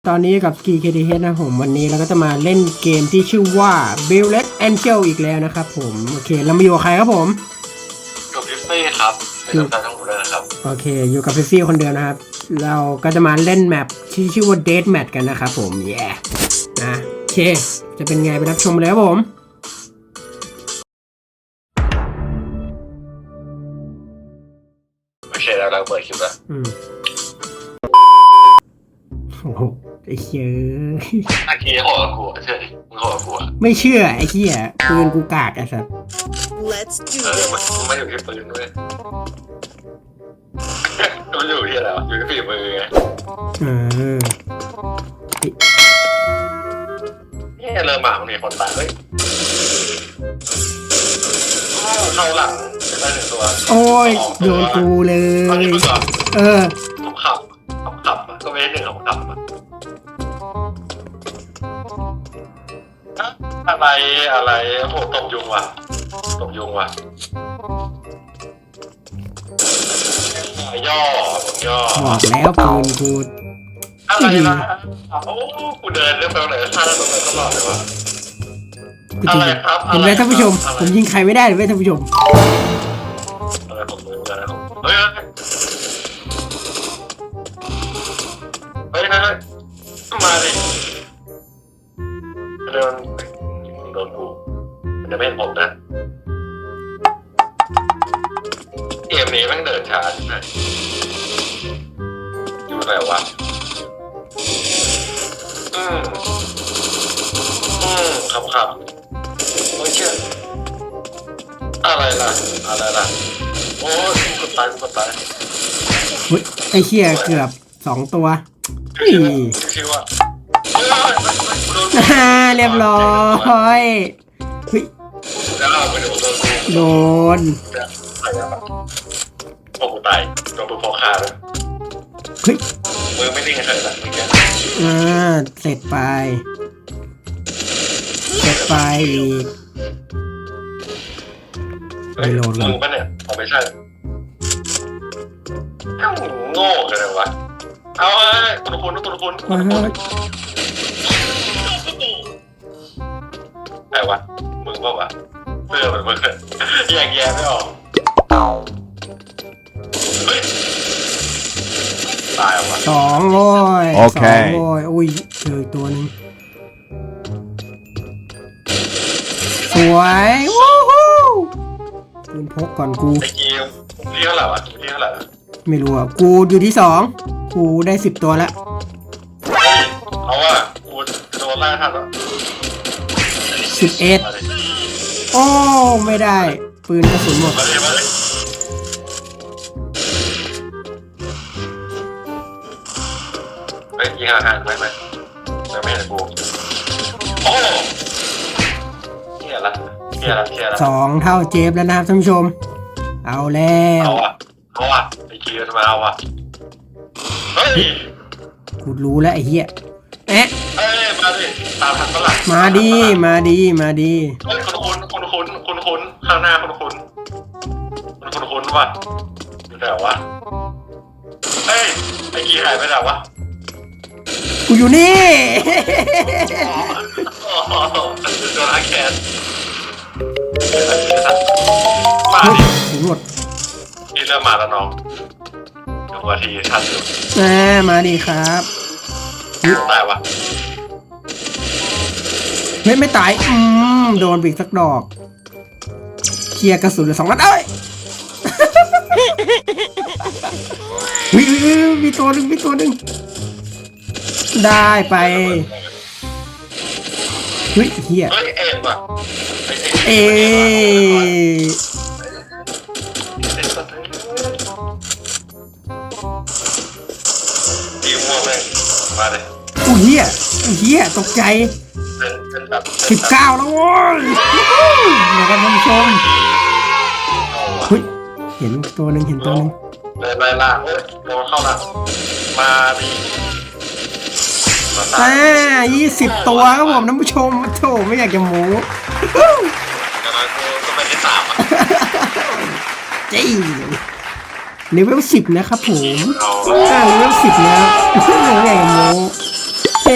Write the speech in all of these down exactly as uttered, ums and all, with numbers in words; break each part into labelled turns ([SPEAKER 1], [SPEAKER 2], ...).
[SPEAKER 1] ตอนนี้กับ Ski เค ที เอช นะผมวันนี้เราก็จะมาเล่นเกมที่ชื่อว่า Bullet Angel อีกแล้วนะครับผมโอเคเรามาอยู่กับใครครับผม
[SPEAKER 2] กับฟิฟฟี่ครับเป็นการทั้งหมดเลยนะครับ
[SPEAKER 1] โอเคอยู่กับฟิฟฟี่คนเดียวนะครับเราก็จะมาเล่นแมปที่ชื่อว่า Death Match กันนะครับผมแย่นะโอเคจะเป็นไงไปรับชมเลยครับผม
[SPEAKER 2] โอเคแล้วเราเปิดคลิปแล้ว
[SPEAKER 1] อืมโอ้โหไอ้เหี้ย
[SPEAKER 2] ตะกี้โหดกูเชื่อดิมึงโหดกูอ่ะ
[SPEAKER 1] ไม่เชื่อไอ้เหี้ยปืนกูกากไอ้สัส
[SPEAKER 3] Let's do
[SPEAKER 2] เออมันไม่อยู่ที่ปืนด้วยมันอยู่ที่อะไรวะอยู่ที่ฝีมือไง
[SPEAKER 1] เออ
[SPEAKER 2] นี่เริ่มมามันมีคนตายเฮ้ยเข้าหลังได้หนึ่งตัว
[SPEAKER 1] โอ้ยโดนกูเลยเออ
[SPEAKER 2] ผมขับผมขับก็ไม่ได้หนึ่งผมขับอะไรอะไรโหตบยุงว่ะตบยุงว่ะย่อย่อ
[SPEAKER 1] บอกแล้วปืนกู
[SPEAKER 2] อะไรนะโอ้กูเดินเรื่องไปไหนท่าตรงไหนตลอดเลยว่ะอะไรครับ
[SPEAKER 1] เห็นไหมท่านผู้ชมผมยิงใครไม่ได้เลยท่านผู้ชม
[SPEAKER 2] อะไรผมเลยอะไรผมเฮ้ยเฮ้ยเฮ้ยมาดิเดินโดนกูมันจะไม่เห็นผมนะเกมนี้แม่งเดินช้าใช่ไหมอยู่ไหนวะอืมอืมครับครับไม่เชื่ออะไรล่ะอะไรล่ะโอ้ยกูตายกูตาย
[SPEAKER 1] เฮ้ยไอ้เหี้ยเกือบสองตัวนี่
[SPEAKER 2] ชื่อว่า
[SPEAKER 1] เรียบร้อยเฮ้ยโดน
[SPEAKER 2] โอ้กูตายโดนปืนพกคาเลย
[SPEAKER 1] เฮ้ย
[SPEAKER 2] มือไม่นิ่งเลยนะเมื่อกี้
[SPEAKER 1] อ่าเสร็จไปเสร็จไปอีก
[SPEAKER 2] ไม่โดนมึงปะเนี่ยเอาไม่ใช่แค่หูโง่กันเลยวะเอาไอ้ตุลพุนตุลพุนตุลพุนไอ้วะมึงเปล่าวะเสื้อมันมึงแยกแยะไม่ออกเฮ้ยตายวะ
[SPEAKER 1] สองโว้ย
[SPEAKER 4] โอเค
[SPEAKER 1] สองโว้ยอุ้ยเจอตัวนึงสวยวู้ฮู้ปืนพกก่อนกู
[SPEAKER 2] ไอ้กีมที่เท่าไหร่วะที่เท่าไหร่
[SPEAKER 1] ไม่รู้อ่ะกูอยู่ที่สองกูได้สิบตัวแล้ว
[SPEAKER 2] เอาว่ากูโดนไล่ทันแล้ว
[SPEAKER 1] สิบเอ็ดโอ้ไม่ได้ปืนกระสุนหมด
[SPEAKER 2] มาเลยมาเลยเฮ้ยยิงห่างๆไปไหมจะไม่เห็นกูโอ้เฮียละเฮียละเฮียละ
[SPEAKER 1] สองเท่าเจฟแล้วนะครับท่านผู้ชมเอาแล้ว
[SPEAKER 2] เอาอ่ะเอาอ่ะไอ้กีจะมาเอาอ่ะเฮ้ย
[SPEAKER 1] กูรู้แล้วไอ้เหี้ยเอ๊ะ
[SPEAKER 2] เอ้ยมาดิตามทันฝรั่ง
[SPEAKER 1] มาดีมาดีมาดี
[SPEAKER 2] เฮ้ยคุณคุณคุณคุณคุณคุณข้างหน้าคุณคุณคุณคุณคุณวะอยู่ไหนวะเฮ้ยไอ้กีหายไปไหนวะ
[SPEAKER 1] กูอยู่นี่
[SPEAKER 2] โดนอาแคนมาดิ
[SPEAKER 1] ถึงหมด
[SPEAKER 2] นี่เริ่มมาแล้วน้องเดี๋ยววันทีชัดอยู่
[SPEAKER 1] อ่ามาดีครับ
[SPEAKER 2] ตายวะ
[SPEAKER 1] ไม่ไม่ตายอืมโดนบีกสักดอกเคลียร์กระสุนเหลือสองนัดเอ้ยวิวมีตัวหนึ่งมีตัวหนึ่งได้ไปเฮ้ยเฮีย
[SPEAKER 2] เฮ้ยเอ็มอ่ะ
[SPEAKER 1] เอ
[SPEAKER 2] ดีมัวเลยมาเลย
[SPEAKER 1] อู้เฮียอู้เฮียตกใจสิบเก้าแล้วโว้ยเดี๋ยวกันท่านผู้ชมเฮ้ยเห็นตัวหนึ่งเห็นตัวหนึ่ง
[SPEAKER 2] เลยไล่ล่าเฮ้ยโดนเข้าหลังมาดิ
[SPEAKER 1] อ่ายี่สิบตัวครับผมท่านผู้ชมโธ่ไม่อยากจะโม้
[SPEAKER 2] แต่ละกูก็ไม่ได้สามอ่ะ
[SPEAKER 1] จริงเลเวลสิบนะครับผมอ่าเลเวลสิบแล้วไม่อยากจะโม้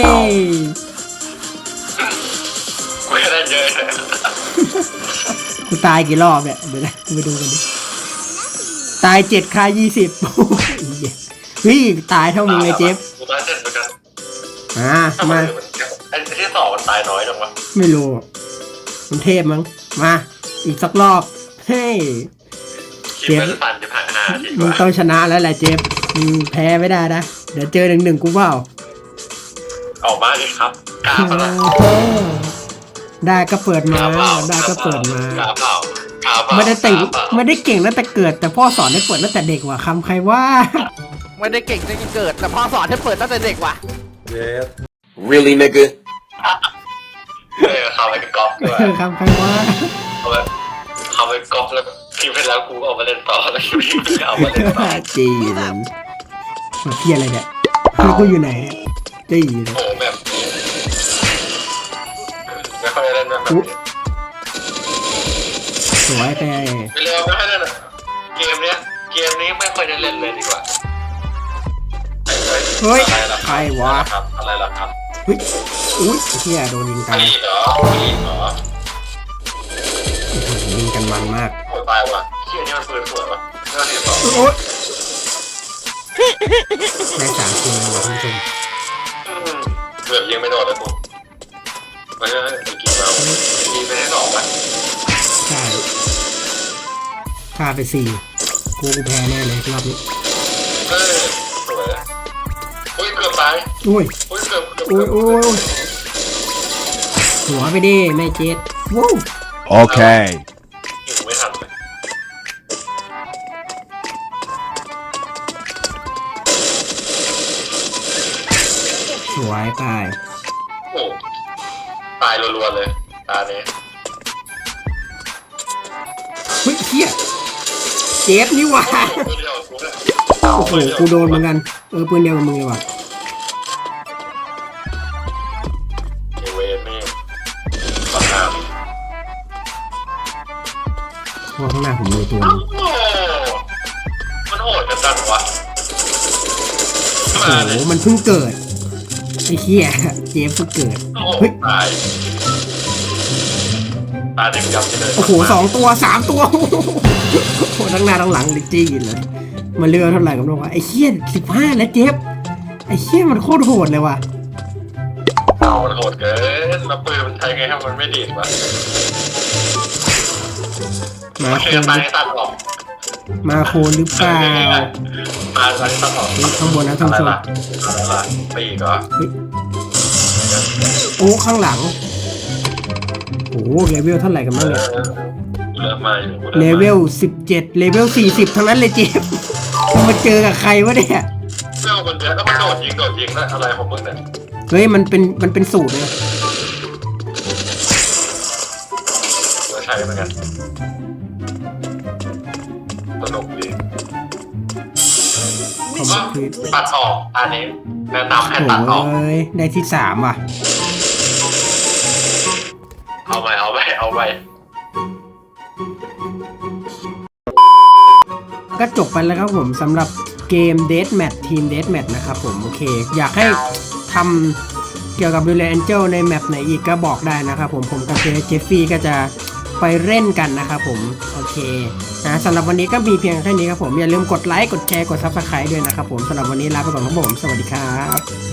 [SPEAKER 1] ตายกี่รอบเนี่ยเดี๋ยวนะไปดูกันดิตายเจ็ดคายี่สิบเฮ้ยตายเท่ามึงเลยเจฟ
[SPEAKER 2] กูตายเจ็ดเหมือนกัน
[SPEAKER 1] อ่า
[SPEAKER 2] ทำไม
[SPEAKER 1] มา
[SPEAKER 2] มันไอ้ที่สองมันตายน้อยจังวะ
[SPEAKER 1] ไม่รู้มันเทพมั้งมาอีกสักรอบเฮ้ย
[SPEAKER 2] คิดเป็นพันจะผ่านห้าที
[SPEAKER 1] มึง
[SPEAKER 2] ว่า
[SPEAKER 1] ต้องชนะแล้วแหละเจฟมึงแพ้ไม่ได้นะเดี๋ยวเจอหนึ่งหนึ่งกูเปล่า
[SPEAKER 2] ออกมาอีกครับกาเปล่า
[SPEAKER 1] ได้ก็เปิดมาก
[SPEAKER 2] าเปล่า
[SPEAKER 1] ได้ก็เปิดมาก
[SPEAKER 2] าเปล่ากาเปล่า
[SPEAKER 1] ไม่ได้แต่ง
[SPEAKER 2] กาเปล่า
[SPEAKER 1] ไม่ได้เก่งตั้งแต่เกิดแต่พ่อสอนให้เปิดตั้งแต่เด็กว่ะคำใครว่า
[SPEAKER 3] ไม่ได้เก่งตั้งแต่เกิดแต่พ่อสอนให้เปิดตั้งแต่เด็กว่ะ
[SPEAKER 2] Yes
[SPEAKER 4] Really, nigga?
[SPEAKER 2] เออเขาไปก๊อปด้วย
[SPEAKER 1] คำใครว่า
[SPEAKER 2] เขาไปเขาไปก๊อปแล้วคิวไปแล้วกูเอามาเล่นต่อแล้วคิวไปเอามาเล่นต่อ
[SPEAKER 1] จีมันมาเพี้ยอะไรเนี่ยแล้วกูอยู่ไหนเนี่ยจีเลย
[SPEAKER 2] โอ้แบบไม่ค่อยได้เล่นแบบนี้
[SPEAKER 1] สวยไป
[SPEAKER 2] ไม่เร็วไม่ค่อยได้เล่นเกมเนี้ยเกมนี้ไม่ค่อยได้เล่นเลยดีกว่า
[SPEAKER 1] เฮ้ย
[SPEAKER 2] อะไรล่ะ
[SPEAKER 1] ใครวะ
[SPEAKER 2] ครับอะไรล่ะครับ
[SPEAKER 1] เฮ้ยอุ้ยเฮียโดนยิงตาย
[SPEAKER 2] พี่เหรอพี่เหรอ
[SPEAKER 1] ยิงกันมันมาก
[SPEAKER 2] โอ้ตายว่ะเชี่ยนี่มันปืนสวยว่ะเรื่องที่สอง
[SPEAKER 1] โอ๊ยได้สามคนแล้วว่ะคุณผู้ชม
[SPEAKER 2] เกือบยิงไม่โดนเลยกูไม่ใช่ไอ้กีมายิงไปได้สองว่ะ
[SPEAKER 1] ใช่ฆ่าไปสี่กูกูแพ้แน่เลยรอบนี้
[SPEAKER 2] เออสวยอะโอ้ยเกือบตาย
[SPEAKER 1] อุ้ย
[SPEAKER 2] โอ้ยเกือบเกือบ
[SPEAKER 1] โอ้ยโอ้ยโอ้ยหัวไปดิแม่เจ็ดวู้
[SPEAKER 4] Okay.
[SPEAKER 2] ยิงไม่ทันเลย
[SPEAKER 1] สวยไป
[SPEAKER 2] โอ้ตายรัวๆเลยตาเนี้ย
[SPEAKER 1] เฮ้ยเฮียเจ็บนี่หว่า
[SPEAKER 2] ปืนเดียวกูเนี่ย
[SPEAKER 1] โอ้โหกูโดนเหมือนกันเออปืนเดียวกับมึงเลยว่ะ
[SPEAKER 2] ไอเวนนี่ปัญหา
[SPEAKER 1] เพราะข้างหน้าผมมีตัว
[SPEAKER 2] โอ้
[SPEAKER 1] นึง
[SPEAKER 2] มันโหดกันจังวะ
[SPEAKER 1] โอ้
[SPEAKER 2] มา
[SPEAKER 1] โห
[SPEAKER 2] เลย
[SPEAKER 1] มันเพิ่งเกิดไอ้เฮียเจ็บเพิ่งเกิด
[SPEAKER 2] โอ้โห
[SPEAKER 1] เฮ้ย
[SPEAKER 2] ตายตายเด็กยับเลย
[SPEAKER 1] โอ้โหสองตัวสามตัวโอ้โหทั้งหน้าทั้งหลังเลยจี้เลยมาเรือเท่าไหร่กันบ้างวะไอ้เฮียสิบห้าแล้วเจ็บไอ้เฮียมันโคตรโหดเลยว่ะ
[SPEAKER 2] เอามันโหดเกินแล้วปืนมันใช้ไงให้มันไม่ดีดวะ
[SPEAKER 1] มา
[SPEAKER 2] มัน
[SPEAKER 1] โค
[SPEAKER 2] เชื่อน ตาย
[SPEAKER 1] หรือ
[SPEAKER 2] ตัดหรอก
[SPEAKER 1] มาโคนหรือเปล่า
[SPEAKER 2] มาตายตัดหรอก
[SPEAKER 1] เฮ้ยข้างบนนะท่านผู้ชม
[SPEAKER 2] อะไรล่ะปีกเหรอ
[SPEAKER 1] เฮ้ยโอ้ข้างหลังโอ้โหเลเวลเท่าไหร่กันบ้างเนี่ย
[SPEAKER 2] เริ่มมาอยู่
[SPEAKER 1] เลเวลสิบเจ็ดเลเวลสี่สิบทั้งนั้นเลยเจฟมาเจอกับใครวะเนี่ย
[SPEAKER 2] เรื่องคนเดียวก็มันโดดยิงโดดยิงแล้วอะไรของมึงเนี่ย
[SPEAKER 1] เฮ้ยมันเป็นมันเป็นสูตรเลย
[SPEAKER 2] ก็ใช้เหมือนกันสนุกดี
[SPEAKER 1] คอมพลีท
[SPEAKER 2] ตัดออกอันนี้แนะนำให้
[SPEAKER 1] โอ้
[SPEAKER 2] ตัดออก
[SPEAKER 1] ยได้ที่สามว่ะ
[SPEAKER 2] เอาไปเอาไปเอาไป
[SPEAKER 1] ก็จบไปแล้วครับผมสำหรับเกม Deathmatch Team Deathmatch นะครับผมโอเค อยากให้ทำเกี่ยวกับ Brilliant Angel ในแมปไหนอีกก็บอกได้นะครับผมผมกับเจฟฟี่ก็จะไปเล่นกันนะครับผมโอเคนะสำหรับวันนี้ก็มีเพียงแค่นี้ครับผมอย่าลืมกดไลค์กดแชร์กด Subscribe ด้วยนะครับผมสำหรับวันนี้ลาไปก่อนครับผมสวัสดีครับ